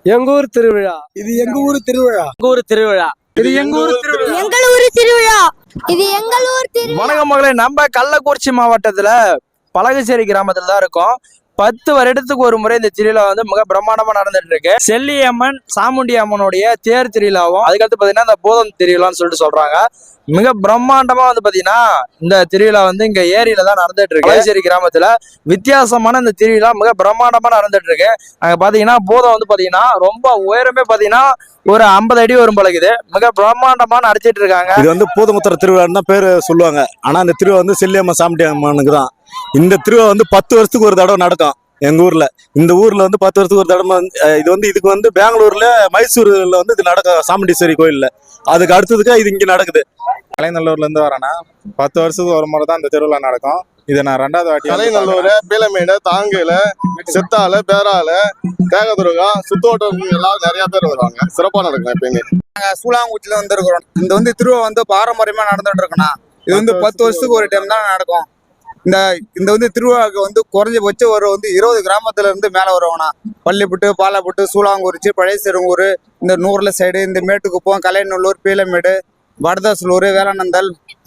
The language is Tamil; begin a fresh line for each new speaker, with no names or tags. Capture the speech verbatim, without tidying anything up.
எங்க ஊர் திருவிழா.
இது எங்க ஊர் திருவிழா.
எங்க ஊர் திருவிழா. இது எங்க ஊர் திருவிழா.
எங்கள் ஊர் திருவிழா. இது எங்கள் ஊர் திருவிழா.
வணக்கம் மகளே, நம்ம கள்ளக்குறிச்சி மாவட்டத்துல பலகச்சேரி கிராமத்துல தான் இருக்கோம். பத்து வருடத்துக்கு ஒரு முறை இந்த திருவிழா வந்து மிக பிரம்மாண்டமா நடந்துட்டு இருக்கு. செல்லியம்மன் சாமுண்டி அம்மனுடைய தேர் திருவிழாவும், அதுக்கடுத்து பாத்தீங்கன்னா இந்த போதம் திருவிழான்னு சொல்லிட்டு சொல்றாங்க. மிக பிரம்மாண்டமா வந்து பாத்தீங்கன்னா இந்த திருவிழா வந்து இங்க ஏரியில தான் நடந்துட்டு இருக்கு. பலகச்சேரி கிராமத்துல வித்தியாசமான இந்த திருவிழா மிக பிரம்மாண்டமா நடந்துட்டு இருக்கு. அங்க பாத்தீங்கன்னா போதம் வந்து பாத்தீங்கன்னா ரொம்ப உயரமே பாத்தீங்கன்னா ஒரு ஐம்பது அடி வரும் பழகுது. மிக பிரம்மாண்டமா நடத்திட்டு இருக்காங்க.
இது வந்து பூதமுத்திர திருவிழான்னு தான் பேரு சொல்லுவாங்க. ஆனா இந்த திருவிழா வந்து செல்லியம்மன் சாமுண்டி அம்மனுக்கு தான். இந்த திருவிழா வந்து பத்து வருஷத்துக்கு ஒரு தடவை நடக்கும் எங்க ஊர்ல. இந்த ஊர்ல வந்து பத்து வருஷத்துக்கு ஒரு தடவை. இது வந்து இதுக்கு வந்து பெங்களூர்ல மைசூர்ல வந்து இது நடக்கும் சாமுண்டீஸ்வரி கோயில்ல. அதுக்கு அடுத்ததுக்கு இது இங்க நடக்குது.
கலைநல்லூர்ல இருந்து வரேன்னா பத்து வருஷத்துக்கு ஒரு முறை தான் இந்த திருவிழா நடக்கும். இதை நான் ரெண்டாவது வாட்டி
கலைநல்லூர், பீலமேடு, தாங்கையில, சித்தால, பேரால, தேகதுருகா, சுத்தோட்டம் எல்லாம் நிறைய பேர் வருவாங்க. சிறப்பா நடக்கும். எப்பயுமே
நாங்க சூளாங்குச்சில வந்துருக்கிறோம். இந்த வந்து திருவிழா வந்து பாரம்பரியமா நடந்துட்டு இருக்கோம்னா இது வந்து பத்து வருஷத்துக்கு ஒரு டைம் தான் நடக்கும். இந்த இந்த வந்து திருவிழாவுக்கு வந்து குறைஞ்சபட்சம் ஒரு வந்து இருபது கிராமத்துல இருந்து மேல வருவாங்கண்ணா. பள்ளிப்புட்டு, பாலப்புட்டு, சூளாங்குறிச்சி, பழைய சிறுங்கூர், இந்த நூறுல சைடு, இந்த மேட்டுக்குப்பம், கலைநல்லூர், பீலமேடு, வடதாசலூர், வேளானந்தல்,